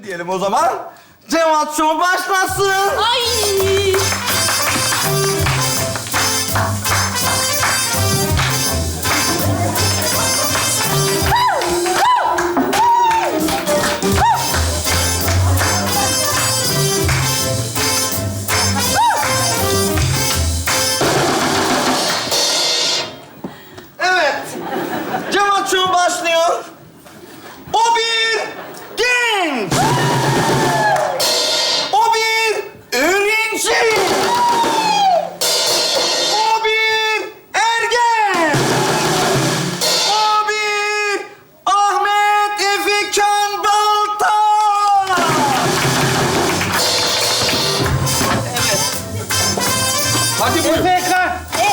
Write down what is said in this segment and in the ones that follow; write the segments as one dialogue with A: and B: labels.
A: diyelim o zaman. Cevat Show başlasın.
B: Ay!
A: Evet. Cevat Show başlıyor. O bir genç. O bir öğrenci. O bir ergen. O bir Ahmet Efekan Baltaş. Evet.
C: Hadi buyurun.
D: Efekan!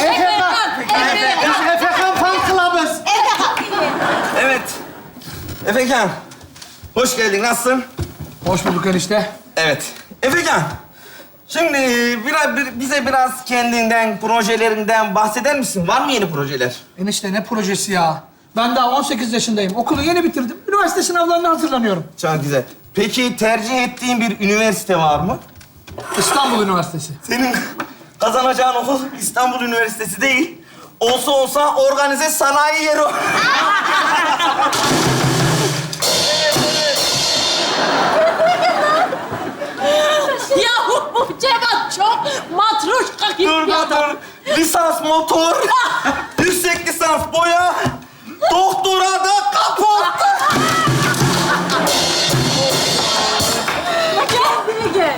D: Biz Efekan Fan Club'ız.
A: Evet. Efekan. Hoş geldin. Nasılsın?
C: Hoş bulduk enişte.
A: Evet. Efekan. Şimdi bize biraz kendinden, projelerinden bahseder misin? Var mı yeni projeler?
C: Enişte ne projesi ya? Ben daha 18 yaşındayım. Okulu yeni bitirdim. Üniversite sınavlarına hazırlanıyorum.
A: Çok güzel. Peki tercih ettiğin bir üniversite var mı?
C: İstanbul Üniversitesi.
A: Senin kazanacağın okul İstanbul Üniversitesi değil. Olsa olsa organize sanayi yeri o.
B: Ya bu Cevat çok matruşka gibi
A: Dur
B: bir
A: dur
B: adam.
A: dur. Lisans motor, yüksek lisans boya, doktora da kapot.
B: Kendine gel.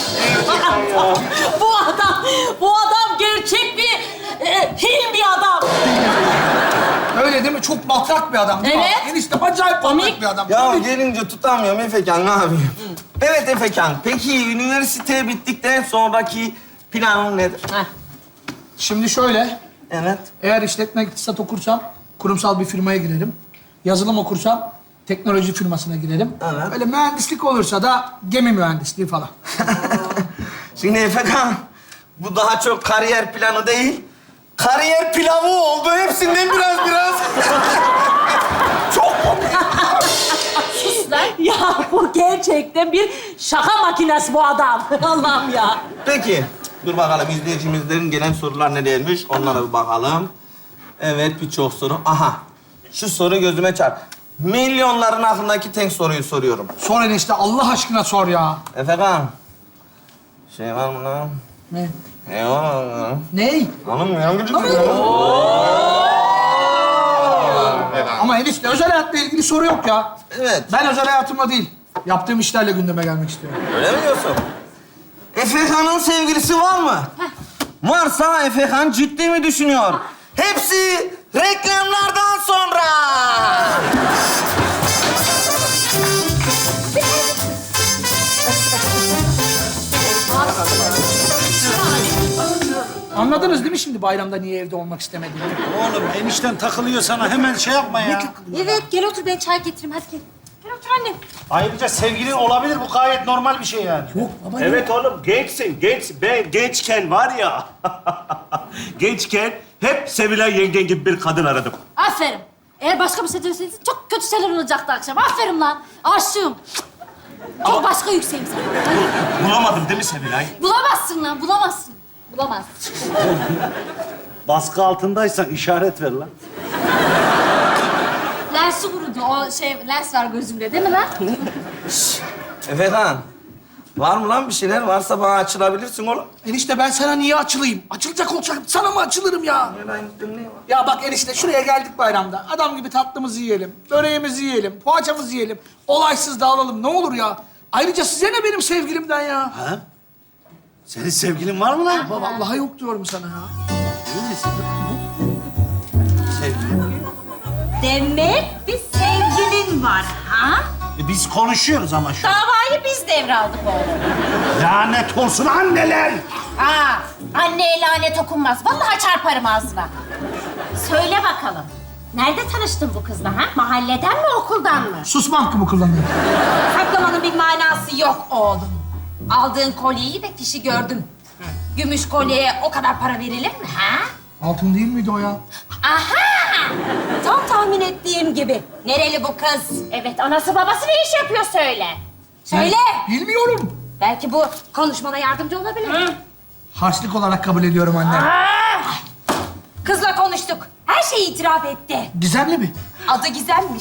B: Bu adam gerçek bir film bir adam.
C: Öyle değil mi? Çok matrak bir adam değil mi?
B: Evet.
C: Enişte acayip matrak bir adam.
A: Ya
C: Tabii.
A: gelince tutamıyorum Efekan, ne yapayım? Evet Efekan, peki üniversite bittikten sonraki planın nedir?
C: Şimdi şöyle.
A: Evet.
C: Eğer işletme iktisat okursam kurumsal bir firmaya girerim. Yazılım okursam teknoloji firmasına girerim.
A: Evet.
C: Böyle mühendislik olursa da gemi mühendisliği falan.
A: Şimdi Efekan, bu daha çok kariyer planı değil, kariyer pilavı oldu. Hepsinden biraz. Çok komik.
B: Sus lan. Ya bu gerçekten bir şaka makinesi bu adam. Allah'ım ya.
A: Peki, dur bakalım izleyicimizlerin gelen sorular ne gelmiş, onlara bir bakalım. Evet, birçok soru. Aha, şu soru gözüme çarp. Milyonların aklındaki tek soruyu soruyorum.
C: Sor enişte Allah aşkına sor ya.
A: Efekan, şey var mı lan?
C: Ne?
A: Ne var lan?
C: Ney?
A: Hanım ya,
C: Ama enişte özel hayatla ilgili soru yok ya.
A: Evet.
C: Ben özel hayatımla değil, yaptığım işlerle gündeme gelmek istiyorum.
A: Öyle mi diyorsun? Efekan'ın sevgilisi var mı? Varsa Efekan ciddi mi düşünüyor? Hepsi reklamlardan sonra.
C: Anladınız değil mi şimdi bayramda niye evde olmak istemediğimi?
D: Oğlum enişten takılıyor sana. Hemen şey yapma ya.
B: Evet gel otur ben çay getireyim hadi gel. Gel otur annem.
D: Ayrıca sevgilin olabilir. Bu gayet normal bir şey yani.
C: Yok baba.
E: Evet oğlum gençsin, genç. Ben gençken var ya, gençken hep Sevilay yengen gibi bir kadın aradım.
B: Aferin. Eğer başka bir şey deseydin çok kötü şeyler olacaktı akşam. Aferin lan. Aşığım. Çok başka yükseğim sana.
E: Bulamadım değil mi Sevilay?
B: Bulamazsın lan, bulamazsın. Bulamazsın.
D: Baskı altındaysan işaret ver lan.
B: Lensi kurudu. O lens var gözümde değil mi lan?
A: Efekan, var mı lan bir şeyler? Varsa bana açılabilirsin oğlum.
C: Enişte ben sana niye açılayım? Açılacak olacak sana mı açılırım ya? Ya bak enişte şuraya geldik bayramda. Adam gibi tatlımızı yiyelim, böreğimizi yiyelim, poğaçamızı yiyelim. Olaysız dağılalım ne olur ya. Ayrıca size ne benim sevgilimden ya?
D: Ha? Senin sevgilin var mı lan?
C: Baba vallahi yok diyorum sana ya.
D: Emin misin? Sevgilin.
F: Demek bir sevgilin var ha?
D: Biz konuşuyoruz ama şu an.
F: Davayı biz devraldık oğlum.
D: Lanet olsun anneler!
F: Ha, anneye lanet okunmaz. Vallahi çarparım ağzına. Söyle bakalım. Nerede tanıştın bu kızla ha? Mahalleden mi, okuldan mı?
C: Susma hakkımı kullanıyorum.
F: Saklamanın bir manası yok oğlum. Aldığın kolyeyi de fişi gördüm. Gümüş kolyeye o kadar para verilir mi ha?
C: Altın değil miydi o ya?
F: Aha! Tam tahmin ettiğim gibi. Nereli bu kız? Evet, anası babası ne iş yapıyor söyle.
B: Söyle.
C: Bilmiyorum.
B: Belki bu konuşmana yardımcı olabilir.
C: Harçlık olarak kabul ediyorum anne.
B: Kızla konuştuk. Her şeyi itiraf etti.
C: Gizemli mi?
B: Adı Gizem'miş.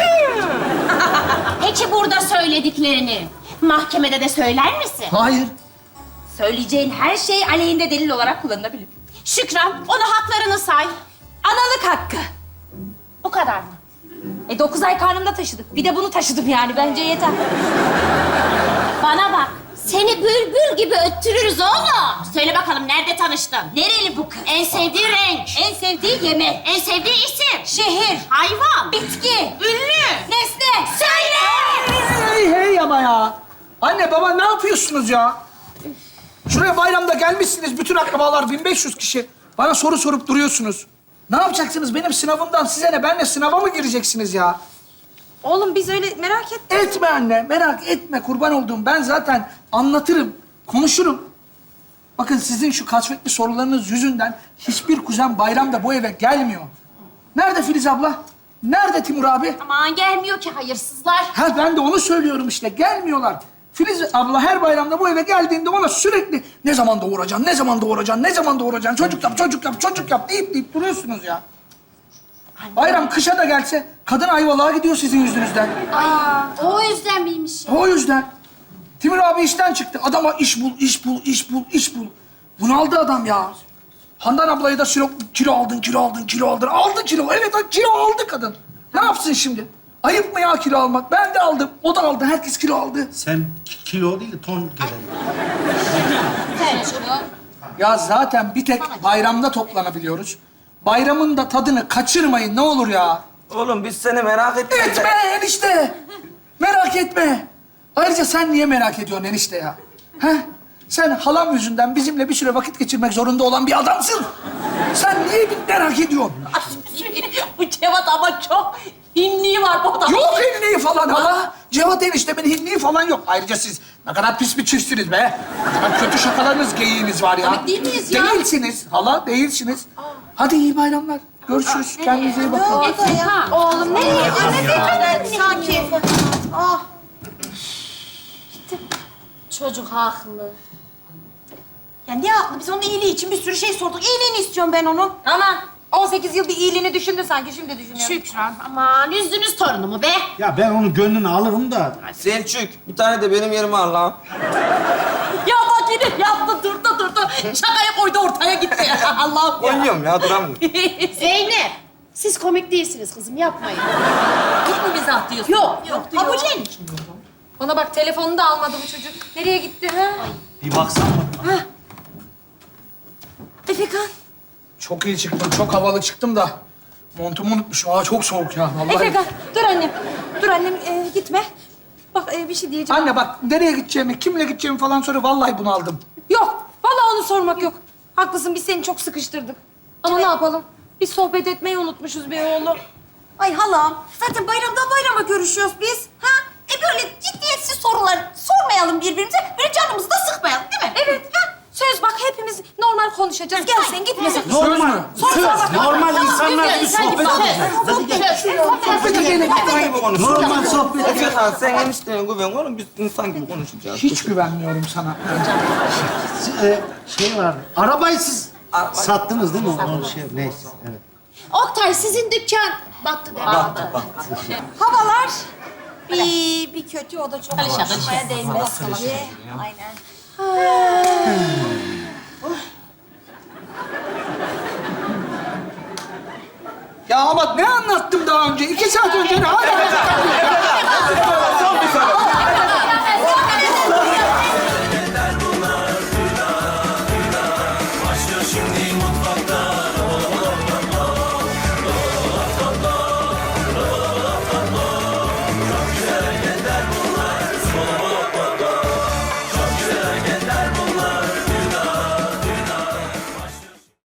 F: Peki burada söylediklerini mahkemede de söyler misin?
C: Hayır.
B: Söyleyeceğin her şey aleyhinde delil olarak kullanılabilir.
F: Şükran, ona haklarını say.
B: Analık hakkı.
F: Bu kadar mı?
B: 9 ay karnımda taşıdık. Bir de bunu taşıdım yani. Bence yeter.
F: Bana bak. Seni bülbül gibi öttürürüz oğlum. Söyle bakalım nerede tanıştın?
B: Nereli bu kız?
F: En sevdiği renk.
B: En sevdiği yemek.
F: En sevdiği isim.
B: Şehir.
F: Hayvan.
B: Bitki.
F: Ünlü.
B: Nesne.
F: Söyle.
C: Hey hey ama ya. Anne baba ne yapıyorsunuz ya? Şuraya bayramda gelmişsiniz bütün akrabalar 1500 kişi. Bana soru sorup duruyorsunuz. Ne yapacaksınız benim sınavımdan size ne? Benle sınava mı gireceksiniz ya?
B: Oğlum biz öyle merak ettik.
C: Etme anne, merak etme kurban olduğum. Ben zaten anlatırım, konuşurum. Bakın sizin şu kasvetli sorularınız yüzünden hiçbir kuzen bayramda bu eve gelmiyor. Nerede Filiz abla? Nerede Timur abi?
F: Aman gelmiyor ki hayırsızlar.
C: Ha ben de onu söylüyorum işte. Gelmiyorlar. Filiz abla her bayramda bu eve geldiğinde ona sürekli ne zaman doğuracaksın, ne zaman doğuracaksın, ne zaman doğuracaksın, çocuk yap, çocuk yap, çocuk yap deyip duruyorsunuz ya. Bayram kışa da gelse kadın Ayvalık'a gidiyor sizin yüzünüzden.
B: O yüzden miymiş ya?
C: O yüzden. Timur abi işten çıktı. Adama iş bul, iş bul, iş bul, iş bul. Bunaldı adam ya. Handan ablayı da sürekli kilo aldın, kilo aldın, kilo aldın. Aldı kilo. Evet kilo aldı kadın. Ne yapsın şimdi? Ayıp mı ya kilo almak? Ben de aldım. O da aldı. Herkes kilo aldı.
D: Sen kilo değil de ton gelen.
C: Ya zaten bir tek bayramda toplanabiliyoruz. Bayramın da tadını kaçırmayın ne olur ya.
A: Oğlum biz seni merak ettik.
C: Etme enişte. Merak etme. Ayrıca sen niye merak ediyorsun enişte ya? He? Sen halam yüzünden bizimle bir süre vakit geçirmek zorunda olan bir adamsın. Sen niye merak ediyorsun?
F: Bu Cevat ama çok hinliği var bu adam.
C: Yok hinliği falan hala. Cevat eniştemin hinliği falan yok. Ayrıca siz ne kadar pis bir çiftsiniz be. Ne kadar kötü şakalarınız, geyiğiniz var ya.
B: Komik değil miyiz ya?
C: Değilsiniz hala, değilsiniz. Hadi iyi bayramlar. Görüşürüz. Kendinize iyi bakın.
B: Oğlum nereye?
F: Sanki.
B: Çocuk haklı.
F: Ya ne haklı? Biz onun iyiliği için bir sürü şey sorduk. İyiliğini istiyorum ben onun.
B: Ama 18 yıl bir iyiliğini düşündü sanki. Şimdi düşünüyorum.
F: Şükran. Aman üzdünüz torunumu be.
D: Ya ben onun gönlünü alırım da.
A: Selçuk, bir tane de benim yerime al lan.
F: Ya bak yine yaptı durdu. Şakaya koydu ortaya gitti. Allah'ım ya.
A: Oynuyorum ya, duramıyorum.
B: Zeynep. Siz komik değilsiniz kızım. Yapmayın.
F: Yok mu mizah diyorsun? Yok. Kabullen.
B: Bana bak telefonunu da almadı bu çocuk. Nereye gitti ha?
D: Bir baksana.
B: Efekan.
C: Çok iyi çıktım, çok havalı çıktım da montumu unutmuşum. Aa çok soğuk ya vallahi.
B: Efekan dur annem. Dur annem gitme. Bak bir şey diyeceğim.
C: Anne bak nereye gideceğimi, kimle gideceğimi falan söyle. Vallahi bunaldım.
B: Yok. Vallahi onu sormak yok. Haklısın biz seni çok sıkıştırdık. Ama ne yapalım? Biz sohbet etmeyi unutmuşuz be oğlum.
F: Ay halam, zaten bayramdan bayrama görüşüyoruz biz. Ha? Böyle ciddiyetsiz sorular sormayalım birbirimize. Böyle canımızı da sıkmayalım değil mi?
B: Evet. Ha? Söz bak hepimiz normal konuşacağız. Gel sen gitme sakın.
D: Normal.
C: Söz mü?
D: Normal insanlar gibi sohbet edeceğiz.
C: Sohbete gelin.
A: İnsan gibi konuşuyor.
D: Normal sohbet.
A: Efekan sen eniştene güven oğlum, biz insan gibi konuşacağız.
C: Hiç güvenmiyorum sana.
D: Şey var. Arabayı siz
A: Arabayı-
D: sattınız değil mi? O şey, neyse. Evet.
B: Oktay sizin dükkan battı değil mi?
A: Baktı.
F: Havalar bir kötü, o da çok konuşmaya değmez. Aynen.
C: Ya ama ne anlattım daha önce? 2 saat önce ne hala?
A: Son bir soru.